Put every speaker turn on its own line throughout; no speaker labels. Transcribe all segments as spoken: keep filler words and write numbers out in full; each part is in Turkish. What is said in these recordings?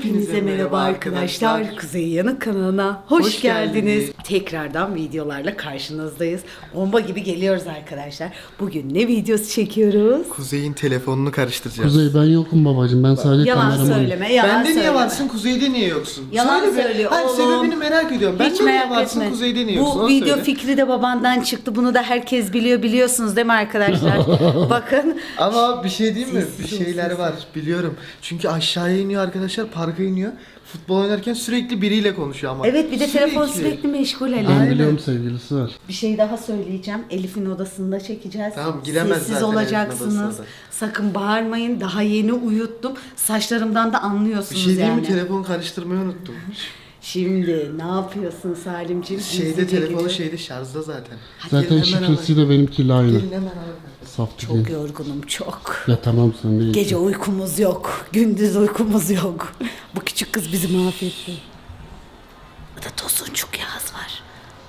Hepinize merhaba arkadaşlar. Kuzey Yanık kanalına hoş, hoş geldiniz. geldiniz. Tekrardan videolarla karşınızdayız. Bomba gibi geliyoruz arkadaşlar. Bugün ne videosu çekiyoruz?
Kuzey'in telefonunu karıştıracağız.
Kuzey ben yokum babacığım. Ben sadece
yalan
kameramanım.
söyleme, yalan
Bende
söyleme.
niye varsın, Kuzey'de niye yoksun?
Yalan
Söyle
söylüyor
Hayır,
oğlum.
sebebini merak ediyorum. Bende
Hiç
niye
merak
varsın,
etme.
Kuzey'de niye
Bu
yoksun? Onu
video
söyle.
fikri de babandan çıktı. Bunu da herkes biliyor, biliyorsunuz değil mi arkadaşlar? Bakın.
Ama bir şey diyeyim mi?
Sessiz
Bir
ol,
şeyler
sessiz.
var biliyorum. Çünkü aşağıya iniyor arkadaşlar, parka iniyor. Futbol oynarken sürekli biriyle konuşuyor ama.
Evet, bir de telefon sürekli meşgul hele.
Ben
Aynen.
biliyorum sevgilisi var.
Bir şey daha söyleyeceğim. Elif'in odasında çekeceğiz.
Tamam, giremez
Sessiz
zaten
olacaksınız.
Elif'in odasına da.
Sakın bağırmayın. Daha yeni uyuttum. Saçlarımdan da
Bir
anlıyorsunuz
şey diyeyim
yani.
mi? Telefon karıştırmayı unuttum.
Şimdi ne yapıyorsun Salimciğim?
Şeyde
Gizlice
telefonu
gidiyor.
şeyde şarjda zaten.
Zaten
Gelin hemen
şifresiyle benimkiyle aynı.
Gelin hemen alın.
Saf
Çok
değil.
yorgunum çok.
Ya tamam sen değil.
Gece uykumuz yok. Gündüz uykumuz yok. Bu küçük kız bizi mahvetti. Burada Tosuncuk Yağız var.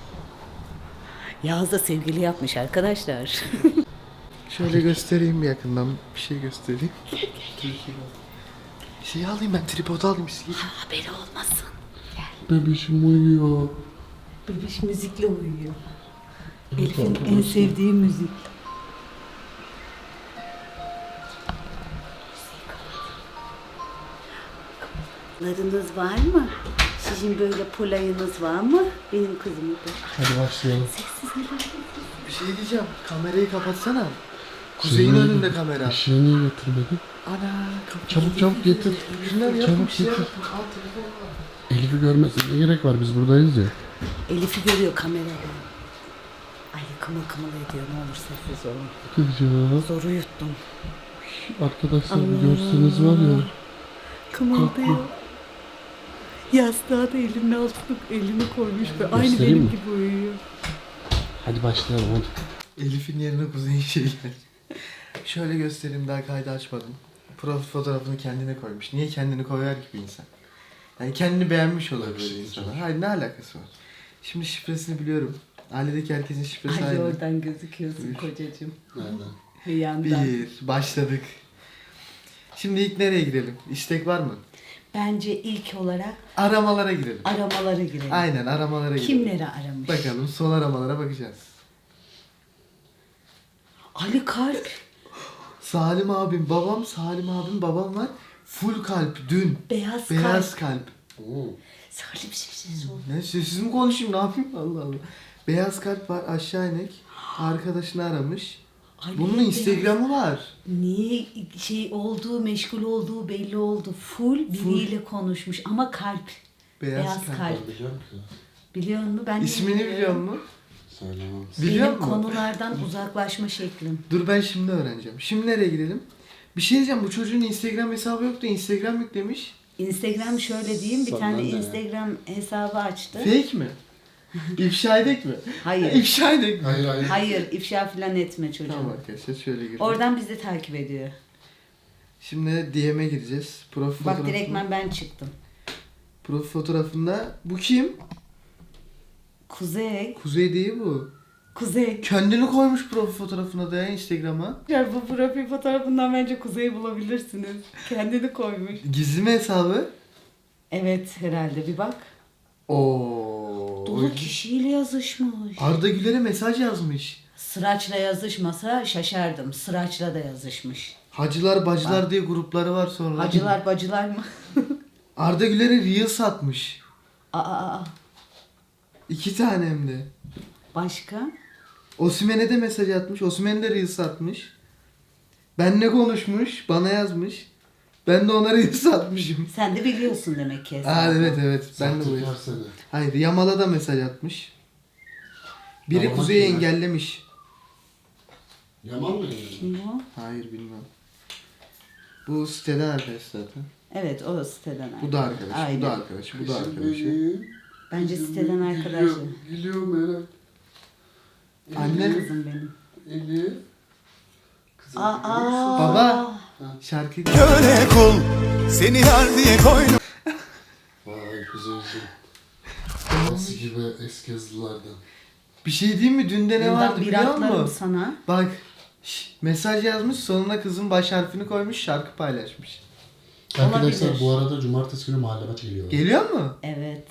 Yağız da sevgili yapmış arkadaşlar.
Şöyle göstereyim bir yakından. Bir şey göstereyim. Şey alayım ben, tripod alayım size.
Haberi olmasın.
Bebişim uyuyor.
Bebiş müzikle uyuyor. Elif'in en sevdiği müzik. Larınız var mı? Sizin böyle polayınız var mı? Benim kızım da.
Hadi başlayalım.
Bir şey diyeceğim. Kamerayı kapatsana. Kuzey'in
Şeyini-
önünde kamera.
Işığı niye getirmedin?
Ana kapı.
Çabuk çabuk getir.
Şunlar yapın,
Çabuk
bir şey
getir.
yapın. Al telefonu al.
Elif'i görmesine ne gerek var, biz buradayız ya.
Elif'i görüyor kamerada. Ay kımıl kımıl ediyor, ne olur sessiz olun.
Kızcağız.
Zor uyuttum.
Arkadaşlar bir görseniz var ya.
Kımıldıyor. Yastığa da elinin altına elini koymuş ve aynı
Göstereyim
benim
mi?
gibi uyuyor.
Hadi başlayalım hadi.
Elif'in yerine Kuzey'in şeyler. Şöyle göstereyim, daha kaydı açmadım. Profil fotoğrafını kendine koymuş. Niye kendini koyar ki bir insan? Yani kendini beğenmiş olabilir insana. Hayır, ne alakası var? Şimdi şifresini biliyorum. Ailedeki herkesin şifresi
Ay
aynı.
oradan gözüküyorsun
Buyur.
kocacığım.
Nereden?
Bir yandan.
Bir, başladık. Şimdi ilk nereye girelim? İstek var mı?
Bence ilk olarak
Aramalara girelim.
aramalara girelim.
Aynen, aramalara girelim.
Kimleri aramış?
Bakalım, son aramalara bakacağız.
Ali Kalp.
Salim abim, babam, Salim abim, babam var. Full kalp, dün.
Beyaz,
Beyaz
Kalp.
kalp.
Oo.
Salim sessiz ol.
Ne, sessiz mi konuşayım, ne yapayım? Allah Allah. Beyaz kalp var, aşağı inek. Arkadaşını aramış.
Ay,
Bunun
beyaz-
Instagram'ı var.
Niye şey olduğu, meşgul olduğu belli oldu. Full biriyle konuşmuş ama kalp.
Beyaz,
Beyaz
kalp.
kalp.
Ben biliyorum ki.
Biliyor musun? Ben de
İsmini
bilmiyorum.
biliyor musun?
Söylemem.
Biliyor
Benim
musun?
konulardan uzaklaşma şeklim.
Dur, ben şimdi öğreneceğim. Şimdi nereye girelim? Bir şey diyeceğim, bu çocuğun Instagram hesabı yoktu. Instagram yüklemiş.
Instagram şöyle diyeyim, bir
Sonra
tane
ne?
Instagram hesabı açtı.
Fake mi? İfşa edek mi?
Hayır.
İfşa edek mi?
Hayır hayır.
Hayır, ifşa falan etme çocuğum.
Tamam arkadaşlar, şöyle girelim.
Oradan bizi takip ediyor.
Şimdi D M'e gireceğiz. Profil
Bak
fotoğrafına-
direktmen ben çıktım.
Profil fotoğrafında bu kim?
Kuzey.
Kuzey değil bu.
Kuzey.
Kendini koymuş profil fotoğrafına da ya, Instagram'a.
Ya bu profil fotoğrafından bence Kuzey'i bulabilirsiniz. Kendini koymuş.
Gizli mi hesabı?
Evet herhalde bir bak.
Oo.
Dolu kişiyle yazışmış.
Arda Güler'e mesaj yazmış.
Sıraçla yazışmasa şaşardım. Sıraçla da yazışmış.
Hacılar bacılar diye grupları var sonra.
Hacılar bacılar mı?
Arda Güler'e reel satmış.
Aa, aa, aa.
İki tane hem de.
Başka?
Osimhen'e de mesaj atmış. Osimhen de reel satmış. Benle konuşmuş. Bana yazmış. Ben de ona reel satmışım.
Sen de biliyorsun demek ki.
Aa, evet evet. Ben de bu.
Var seni.
Hayır, Yamal'a da mesaj atmış. Biri
Yamal
Kuzey'i
kim ya?
engellemiş.
Yaman mı?
Kim o?
Hayır, bilmem. Bu siteden arkadaş zaten.
Evet o siteden.
Bu da arkadaş, bu
Aynen.
da arkadaş, bu da arkadaş.
Bence siteden arkadaşı.
Gülüyor, gülüyor merak.
Anne.
Kızım benim.
Elif. Kızım.
Aa.
Baba. Şarkı
Köle kul seni yar diye koynum.
Vay güzelsin. Nasıl gibi eski yazılardan.
Bir şey diyeyim mi? Dünde ne vardı
bir
biliyor
atlarım
musun?
sana.
Bak. şş, mesaj yazmış, sonuna kızın baş harfini koymuş, şarkı paylaşmış.
Arkadaşlar
Olabilir.
bu arada cumartesi günü mahalle maçı geliyor.
Geliyor mu?
Evet.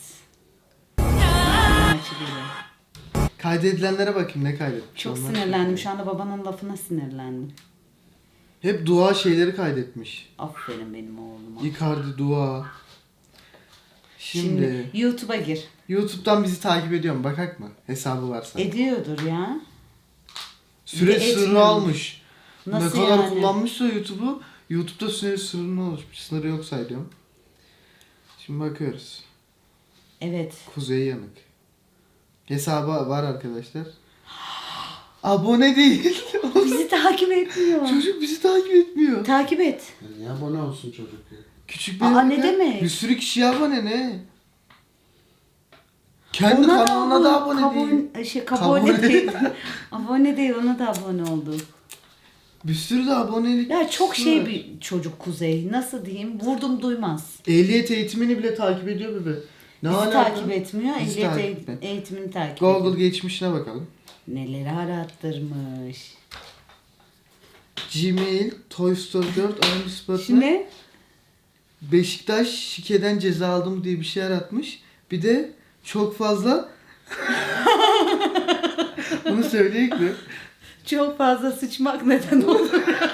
Maçı geliyor.
Kaydedilenlere bakayım ne kaydetmiş.
Çok
Onlar-
sinirlendim. Şu anda babanın lafına sinirlendim.
Hep dua şeyleri kaydetmiş.
Aferin benim oğluma.
Icardi dua. Şimdi,
Şimdi YouTube'a gir.
YouTube'dan bizi takip ediyor mu? Bakak mı? Hesabı varsa.
Ediyordur ya.
Süre
Bir de
sınırı
etmiyor.
almış.
Nasıl
ne kadar
yani?
kullanmışsa YouTube'u, YouTube'da süre sınırı oluşmuş. Sınırı yok sayıyorum. Şimdi bakıyoruz.
Evet.
Kuzey Yanık. Hesabı var arkadaşlar. Abone değil.
Bizi takip etmiyor.
Çocuk bizi takip etmiyor.
Takip et.
Ya niye abone olsun çocuk ya?
Küçük bir
Aa,
yanık
ne
ya.
demek?
Bir sürü kişi abone ne? Kendi
Ona
kanalına da abone
kabul-
değil.
Şey, kabul
Kabul-
değil. Abone değil, ona da abone olduk.
Bir sürü de abonelik.
Ya çok şey
var.
bir çocuk Kuzey. Nasıl diyeyim? Vurdum duymaz.
Ehliyet eğitimini bile takip ediyor bebe. Ne
Bizi
alaka?
takip etmiyor.
Bizi
Ehliyet
takip
eğit-
etmiyor.
eğitimini takip ediyor.
Google geçmişine bakalım.
Neleri arattırmış.
Gmail, Toy Story dört, Aynı Spot'la
Şimdi
Beşiktaş şikeden ceza aldım diye bir şey yaratmış. Bir de çok fazla bunu söyleyeyim mi?
çok fazla sıçmak neden olur?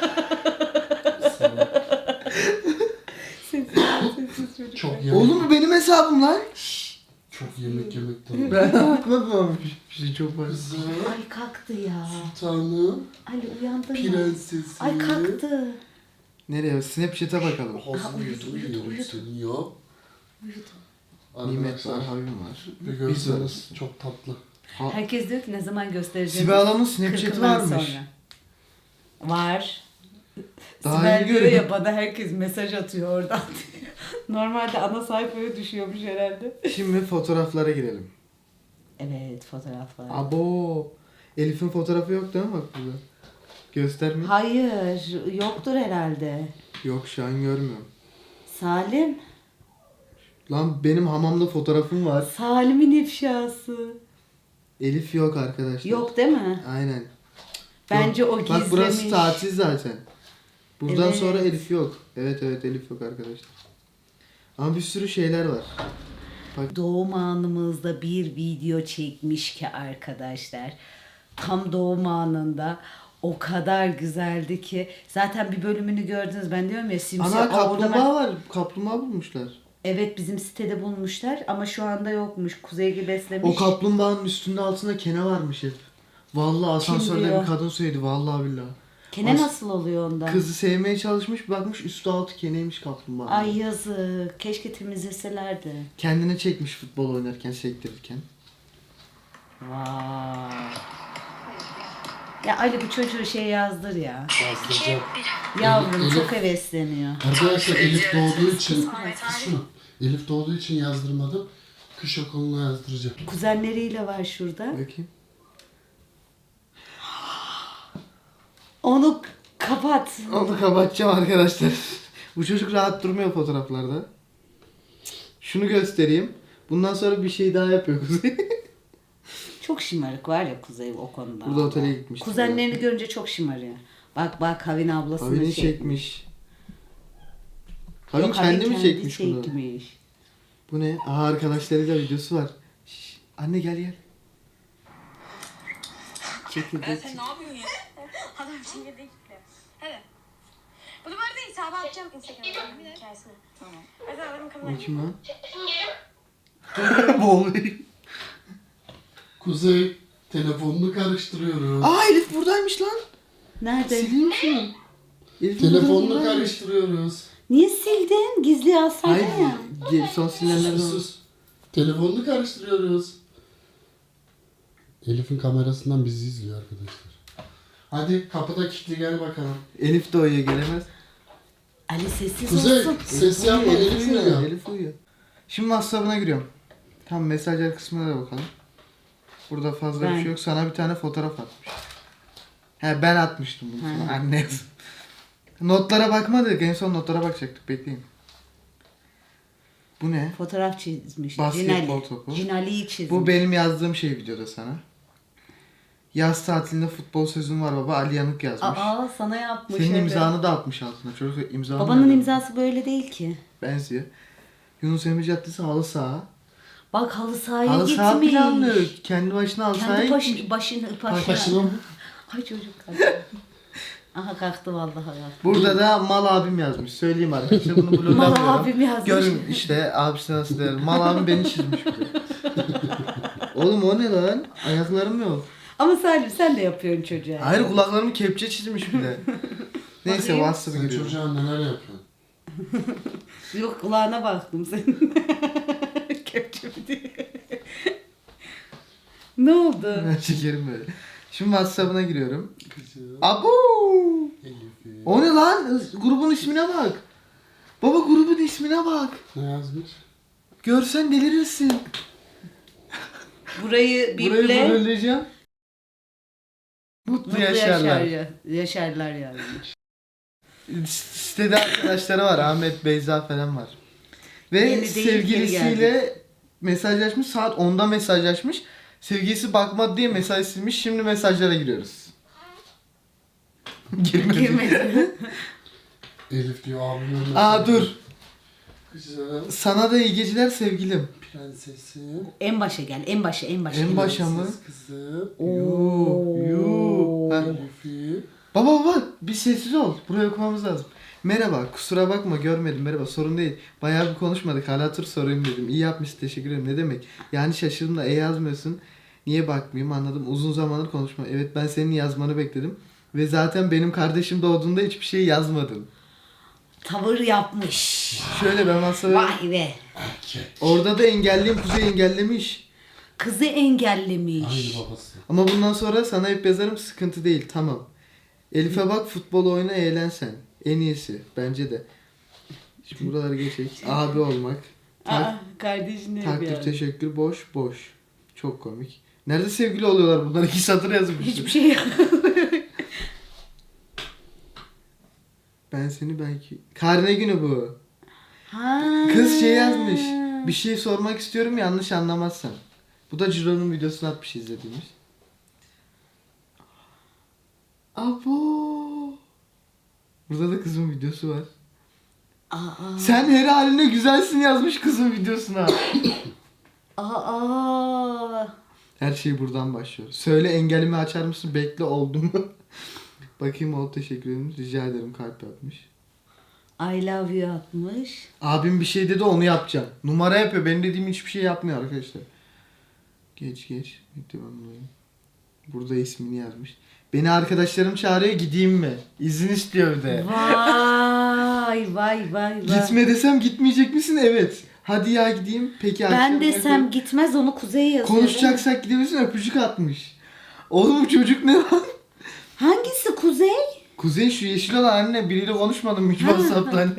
Çok yemek,
Oğlum bu benim hesabım lan.
çok yemek yemekten.
Ben atmadım bir şey çok fazla.
Kızım,
Ay kalktı ya.
sultanım,
Ali uyandın mı?
prensesim.
Ay kalktı.
Nereye? Snapchat'e bakalım.
Ağzını
uyudu,
yudum
uyudu,
yiyorum
uyudu.
seni ya.
Uyudu.
Nimet var,
Arkadaşlar
Havim var.
bir
Biz
görseniz
varız.
çok tatlı.
Ha,
Herkes diyor ki ne zaman göstereceğiz?
Sibel Hanım'ın Snapchat'i
Kırkından
varmış.
sonra. Var.
Daha
Sibel
yeni
diyor
görüyorum.
ya bana herkes mesaj atıyor oradan diyor. Normalde ana sayfaya düşüyormuş herhalde.
Şimdi fotoğraflara girelim.
Evet fotoğraflar.
Abo. Elif'in fotoğrafı yok değil mi bak burada? Gösterme.
Hayır yoktur herhalde.
Yok şu an görmüyorum.
Salim.
Lan benim hamamda fotoğrafım var.
Salim'in ifşası.
Elif yok arkadaşlar.
Yok değil mi?
Aynen.
Bence o
Bak
gizlemiş.
burası tatil zaten. Buradan
Evet.
sonra Elif yok. Evet evet Elif yok arkadaşlar. Ama bir sürü şeyler var.
Doğum anımızda bir video çekmiş ki arkadaşlar. Tam doğum anında o kadar güzeldi ki. Zaten bir bölümünü gördünüz. Ben diyorum ya simsiyah.
Ana
Aa, orada ben-
kaplumbağa var. Kaplumbağa bulmuşlar.
Evet bizim sitede bulmuşlar ama şu anda yokmuş. Kuzey gibi beslemiş.
O kaplumbağanın üstünde altında kene varmış hep. Vallahi asansörde
diyor?
bir kadın söyledi vallahi billahi.
Kene
As-
nasıl oluyor onda?
Kızı sevmeye çalışmış bakmış üstü altı keneymiş kaplumbağa.
Ay yazık. Keşke temizleselerdi.
Kendine çekmiş futbol oynarken sektirirken.
Vay. Ya Ali bu çocuğu şey yazdır ya.
Yazdıracağım.
Yavrum
Elif-
çok hevesleniyor.
Arkadaşlar Elif doğduğu için şunu, Elif doğduğu için yazdırmadım. Kış okuluna yazdıracağım.
Kuzenleriyle var şurada.
Bakayım.
Onu kapat.
Onu kapatacağım arkadaşlar. Bu çocuk rahat durmuyor fotoğraflarda. Şunu göstereyim. Bundan sonra bir şey daha yapıyor Kuzey.
Çok şımarık var ya Kuzey o konuda.
Burada otele gitmişti.
Kuzenlerini görünce çok şımarıyor. Bak bak Havin ablasını
Havini
şey-
çekmiş. Havin
Yok, Havin
kendi mi çekmiş bunu?
çekmiş.
Bu ne? Aha arkadaşlarıyla videosu var. Şş, anne gel gel. Çekirdek.
Ben sen ne yapıyorsun ya? Adam çekirdek gitti. Hadi. Bunu bu arada hesaba atacağım Instagram'da hikayesine. Tamam. Hadi adamın kamerayı.
Bu kim lan? Boğuluyor.
Kuzey telefonunu karıştırıyoruz.
Aa Elif buradaymış lan.
Nerede?
Sileyim mi şunu? Elif
Telefonunu
buradaymış.
karıştırıyoruz.
Niye sildin? Gizli alsaydın
Hayır.
ya.
ge- Son silinenlerden.
Sus sus. Telefonunu karıştırıyoruz. Elif'in kamerasından bizi izliyor arkadaşlar. Hadi kapıda kilitli gel bakalım.
Elif de uyuyor gelemez.
Ali sessiz
Kuzey
olsun.
ses yapma Elif uyuyor.
Elif uyuyor. Şimdi WhatsApp'ına giriyorum. Tam mesajlar kısmına da bakalım. Burada fazla
Ben-
bir şey yok. Sana bir tane fotoğraf atmış. He ben atmıştım bunu sana. Anne yazım. Notlara bakmadık. En son notlara bakacaktık. Bekleyin. Bu ne?
Fotoğraf çizmiş.
Basketbol
Cinali.
topu.
Cinali'yi çizmiş.
Bu benim yazdığım şey videoda sana. Yaz tatilinde futbol sözüm var baba. Ali Yanık yazmış.
Aa sana yapmış.
Senin
evet.
imzanı da atmış altına. Çocuk imzanı
Babanın
da-
imzası böyle değil ki.
benziyor. Yunus Emre Caddesi halı saha.
Bak halı sahaya
Halı
gitmiş.
saha planlı. Kendi başına halı sahaya
Kendi baş,
gitmiş.
başını, başına.
Başına mı?
Ay çocuk kalktı. Aha kalktı vallahi kalktı.
Burada da mal abim yazmış. Söyleyeyim arkadaşlar bunu bloglamıyorum.
Mal abim yazmış.
Görün işte abisi nasıl der. Mal abim beni çizmiş bir de. Oğlum o ne lan? Ayaklarım yok.
Ama Salim sen de yapıyorsun çocuğa.
Hayır kulaklarımı kepçe çizmiş bir de. Neyse
Bakayım.
WhatsApp'a
Sen
giriyorum.
çocuğa neler yapıyorsun?
Yok kulağına baktım senin. Kepçe mi diye. Ne oldu?
Ben çekerim böyle. Şimdi WhatsApp'ına giriyorum.
Kızım.
Abu!
Elif'i.
O ne lan? Grubun ismine bak. Baba grubun ismine bak.
Ne yazmış?
Görsen delirirsin.
Burayı
Burayı
biple.
böleceğim. Mutlu,
Mutlu
yaşarlar.
yaşar, yaşarlar yani.
Sitede arkadaşları var. Ahmet, Beyza falan var. Ve
Yeni değil, geri
sevgilisiyle mesajlaşmış. Saat onda mesajlaşmış. Sevgilisi bakmadı diye mesaj silmiş. Şimdi mesajlara giriyoruz. Girmedi.
Girmedi.
Elif diyor abimin.
Aa dur.
Kızım.
Sana da iyi geceler sevgilim.
Prensesim.
En başa gel, en başa, en başa.
En başa mı?
Prenses kızım.
Yuh, yuh. Ha.
Elif'i.
Baba baba bir sessiz ol. Buraya okumamız lazım. Merhaba kusura bakma görmedim merhaba sorun değil. Bayağı bir konuşmadık hala tur sorayım dedim. İyi yapmışsın teşekkür ederim ne demek. Yani şaşırdım da e yazmıyorsun. Niye bakmayayım anladım uzun zamandır konuşma. Evet ben senin yazmanı bekledim. Ve zaten benim kardeşim doğduğunda hiçbir şey yazmadın.
Tavır yapmış.
Şöyle ben masaya...
Vay be.
Erkek.
Orada da engelliyim Kuzey engellemiş.
Kızı engellemiş.
Aynı babası.
Ama bundan sonra sana hep yazarım sıkıntı değil tamam. Elif'e bak futbol oyna eğlen sen. En iyisi bence de. Şimdi buraları geçecek. Abi olmak. Tak,
Aa, kardeşine
takdir
bir
teşekkür boş boş. Çok komik. Nerede sevgili oluyorlar bunlar? İki satır yazmış.
Hiçbir şey yok.
Ben seni belki... Karne günü bu.
Ha.
Kız şey yazmış. Bir şey sormak istiyorum yanlış anlamazsan. Bu da Ciro'nun videosunu atmış izlediğimiz. Abo. Burada da kızın videosu var.
Aa.
Sen her haline güzelsin yazmış kızın videosuna.
Aa.
Her şey buradan başlıyor. Söyle engelimi açar mısın? Bekle oldu mu? Bakayım oldu teşekkür ederim. Rica ederim kalp yapmış.
I love you atmış.
Abim bir şey dedi onu yapacağım. Numara yapıyor. Benim dediğim hiçbir şey yapmıyor arkadaşlar. Geç geç. Devamlayayım. Burada ismini yazmış. Beni arkadaşlarım çağırıyor gideyim mi? İzin istiyor bir de.
Vay vay vay vay.
Gitme desem gitmeyecek misin? Evet. Hadi ya gideyim. Peki
Ben
akşam
desem
yapalım.
gitmez onu Kuzey'e yazıyor.
Konuşacaksak gidebilirsin öpücük atmış. Oğlum bu çocuk ne lan?
Hangisi Kuzey?
Kuzey şu yeşil olan anne biriyle konuşmadım hiç WhatsApp'ta anne.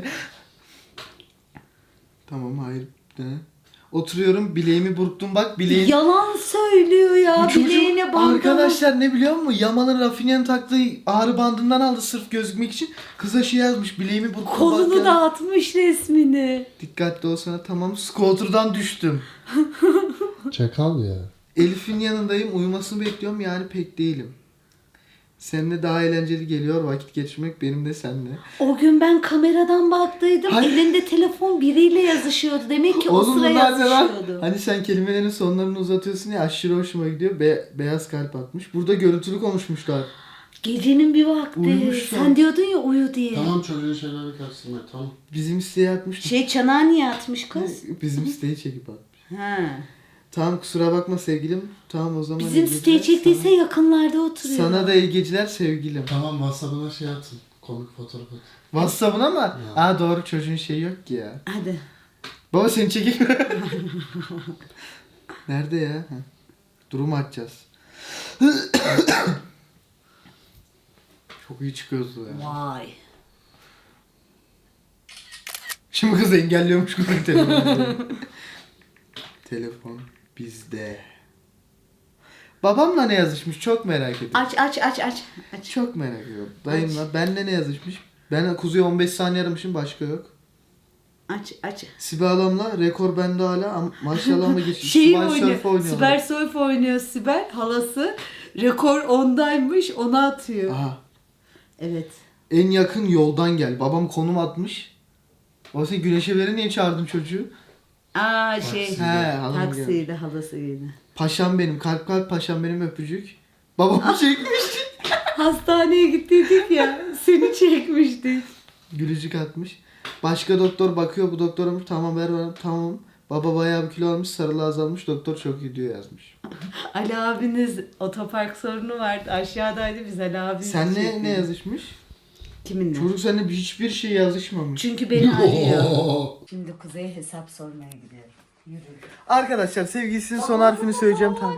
Tamam hayır. Ne? Oturuyorum bileğimi burktum bak bileğim.
Yalan söylüyor ya.
Bu çocuk
Bileğine bandı.
arkadaşlar ne biliyor musun? Yaman'ın Rafinha'nın taktığı ağrı bandından aldı sırf gözükmek için. Kıza şey yazmış bileğimi burktum bak
Kolunu
ya.
da atmış resmini.
Dikkatli olsana tamam scooter'dan düştüm.
Çakal ya.
Elif'in yanındayım uyumasını bekliyorum yani pek değilim. Seninle daha eğlenceli geliyor vakit geçirmek benim de seninle.
O gün ben kameradan baktıydım.
Hayır.
Elinde telefon biriyle yazışıyordu. Demek ki o
Oğlum
sıra
bunlar ne lan?
yazışıyordu.
Hani sen kelimelerin sonlarını uzatıyorsun ya aşırı hoşuma gidiyor. Be- beyaz kalp atmış. Burada görüntülü konuşmuşlar.
Gecenin bir vakti.
Uyumuşlar.
Sen diyordun ya uyu diye.
Tamam çocuğun şeylerini karıştırma tamam.
Bizim siteye atmış.
Şey çanağı niye atmış kız?
Bizim siteyi çekip atmış.
Ha.
Tamam kusura bakma sevgilim. Tamam o zaman iyi
Bizim
geceler.
siteyi çektiyse
Sana,
yakınlarda oturuyor.
sana da iyi geceler sevgilim.
Tamam WhatsApp'ına şey atın. Komik fotoğraf at.
WhatsApp'ına mı?
Ya.
Aa doğru çocuğun şeyi yok ki ya.
Hadi.
Baba seni çekeyim mi? Nerede ya? Ha. Durum açacağız. Çok iyi çıkıyoruz ya.
Vay.
Şimdi kız engelliyormuş gibi telefonu. Telefon bizde. Babamla ne yazışmış çok merak ediyorum.
Aç aç aç aç. aç.
Çok merak ediyorum. Dayımla benle ne yazışmış? Ben Kuzey on beş saniye aramışım başka yok.
Aç aç.
Sibel Hanım'la rekor bende hala ama maşallah ama geçmiş.
Şey
Sibel
oynuyor.
Surf oynuyorlar.
Sibel Surf oynuyor Sibel halası. Rekor ondaymış, onu atıyor.
Aha.
Evet.
En yakın yoldan gel. Babam konum atmış. O sen güneşe veri niye çağırdın çocuğu?
Aa şey,
He, halam geldi.
taksiydi, halasıydı.
Paşam benim. Kalp kalp paşam benim öpücük. Babamı çekmiş.
Hastaneye gittiydik ya, seni çekmiştik.
Gülücük atmış. Başka doktor bakıyor, bu doktorum tamam ver bana, tamam. Baba bayağı bir kilo almış, sarılı azalmış, doktor çok iyi diyor yazmış.
Ali abiniz otopark sorunu vardı, aşağıdaydı, biz Ali abimiz
Sen ne
çektik.
ne yazışmış?
Kiminle?
Çocuk seninle hiçbir şey yazışmamış.
Çünkü beni arıyor.
Oo.
Şimdi Kuzey'e hesap sormaya gidiyorum. Yürü.
Arkadaşlar sevgilisinin son harfini söyleyeceğim tam.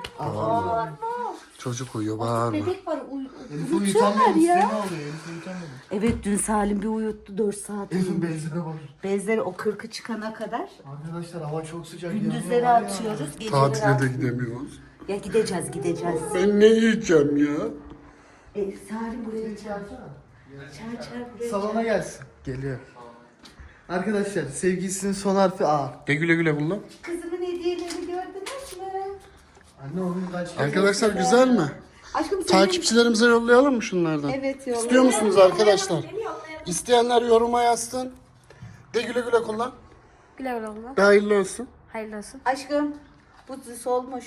Çocuk uyuyor bağırma.
Bebek var, uy-
Elif
uyutuyorlar
uyutamıyor.
ya.
Ne oluyor? Elif uyutamıyor.
Evet, dün Salim bir uyuttu dört saat.
Elif'in benzine bak.
Bezleri o kırkı çıkana kadar
Arkadaşlar hava çok sıcak.
gündüzleri
yanıyor var ya.
atıyoruz, geceleri
Tatile de
atıyoruz.
gidemiyoruz.
Ya gideceğiz, gideceğiz.
Ben ne yiyeceğim ya?
E, Salim buraya çağırsana. Çağır çağır buraya.
Salona gelsin. Geliyor. Arkadaşlar sevgilisinin son harfi A.
De güle güle kullan.
Kızımın hediyelerini gördünüz mü?
Anne onun kaç
Arkadaşlar güzel mi?
Aşkım senin...
Takipçilerimize yollayalım mı şunlardan?
Evet, yolla.
İstiyor musunuz arkadaşlar? İsteyenler yoruma yazsın. De güle güle kullan.
Güle güle olma.
De hayırlı olsun.
Hayırlı olsun.
Aşkım bu solmuş.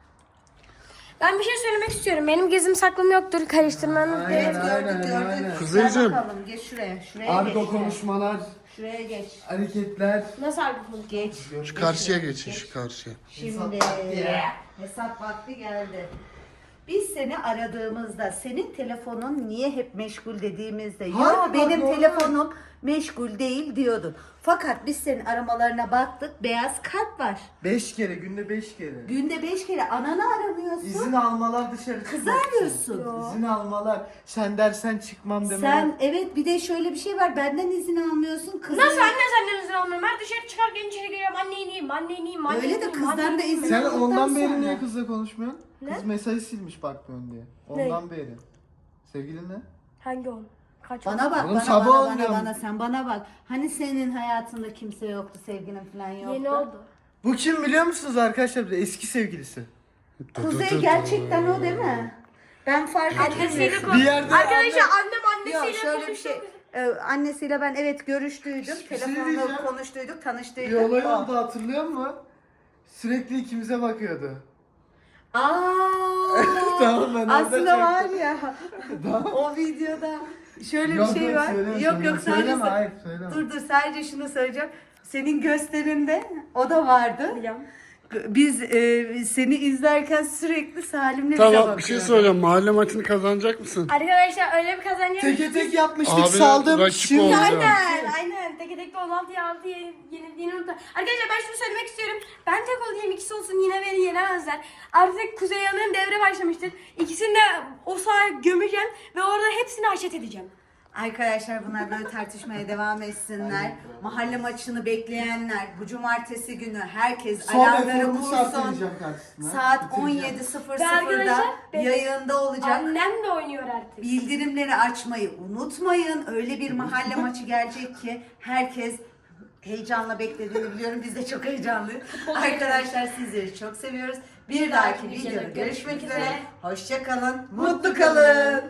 Ben bir şey söylemek istiyorum. Benim gezim saklım yoktur. Karıştırmanın.
Aynen,
Evet gördük
aynen,
gördük.
aynen.
Kuzeyciğim.
Gel bakalım, geç şuraya. Şuraya geç.
Argo
şuraya.
konuşmalar,
Şuraya geç.
hareketler.
Nasıl harbi konu?
Geç.
Şu karşıya geçin şu karşıya.
Şimdi hesap vakti geldi. Biz seni aradığımızda senin telefonun niye hep meşgul dediğimizde
Hayır,
ya
bak,
benim
normal.
telefonum meşgul değil diyordun. Fakat biz senin aramalarına baktık, beyaz kalp var.
Beş kere, günde beş kere.
Günde beş kere ananı aramıyorsun.
İzin almalar dışarı
Kızı
çıkmak için.
arıyorsun.
İzin almalar. Sen dersen çıkmam demeler.
Sen evet, bir de şöyle bir şey var, benden izin almıyorsun. Kızı...
Nasıl anne senden izin almıyorum? Ben dışarı çıkarken içeri giriyorum. Anne ineyim, anne ineyim, anne
Öyle de
ineyim,
kızdan
anne
da
ineyim.
izin-
Sen
aldıktan
ondan beri
sonra.
niye kızla konuşmuyorsun?
Ne?
Kız mesajı silmiş bakmıyorsun diye. Ondan beri. Sevgilin ne?
Hangi on? Kaç
Bana bak,
Oğlum
bana,
sabah
bana,
olmuyor
bana,
mu?
bana, sen bana bak. Hani senin hayatında kimse yoktu, sevgilin falan yoktu.
Yeni oldu.
Bu kim biliyor musunuz arkadaşlar? Bir de eski sevgilisi.
Kuzey gerçekten o değil mi? Ben fark
Annesiyle
ettim.
konuş.
Bir yerde
Arkadaşlar
anne-
annem
Yok
annesiyle
şöyle bir
konuştu.
şey. Ee, annesiyle ben evet görüştüydüm.
Bir şey
Telefonda
diyeceğim.
konuştuyduk,
Bir
tanıştıydık.
olay
O.
oldu hatırlıyor musun? Sürekli ikimize bakıyordu.
Aa,
Tamam, ben orada
aslında var
çektim.
ya. o videoda şöyle
Yok,
bir şey
yok,
var.
söyleme,
yok
söyleme.
yok sadece
Söyleme, hayır, söyleme.
dur dur sadece şunu söyleyeceğim. Senin gösterinde o da vardı.
Biliyorum.
Biz e, seni izlerken sürekli Salim'le bize
Tamam
bakıyordu.
bir şey söyleyeyim. Mahalle maçını kazanacak mısın?
Arkadaşlar öyle bir kazanacağım.
Teke tek yapmıştık,
Abi,
saldım.
rakip
Şimdi
oldu.
Aynen aynen. Teke tekte on altıya altı yenildiğini unutma. Arkadaşlar ben şunu söylemek istiyorum. Ben tek olayım, ikisi olsun, yine beni yenemezler. Artık Kuzey Yanır'ın devre başlamıştır. İkisini de o sahaya gömeceğim ve orada hepsini haşet edeceğim.
Arkadaşlar bunlar böyle tartışmaya devam etsinler. Mahalle maçını bekleyenler bu cumartesi günü herkes
son
alarmları
eforumu
kursun.
sartlayacağım karşısına.
Saat
Bitireceğim.
on yedi sıfır
Ve arkadaşlar,
sıfırda
ben-
yayında olacak.
Annem de oynuyor artık.
Bildirimleri açmayı unutmayın. Öyle bir mahalle maçı gelecek ki herkes heyecanla beklediğini biliyorum. Biz de çok heyecanlıyız. Arkadaşlar sizleri çok seviyoruz. Bir dahaki videoda görüşmek üzere. Hoşça kalın. Mutlu kalın.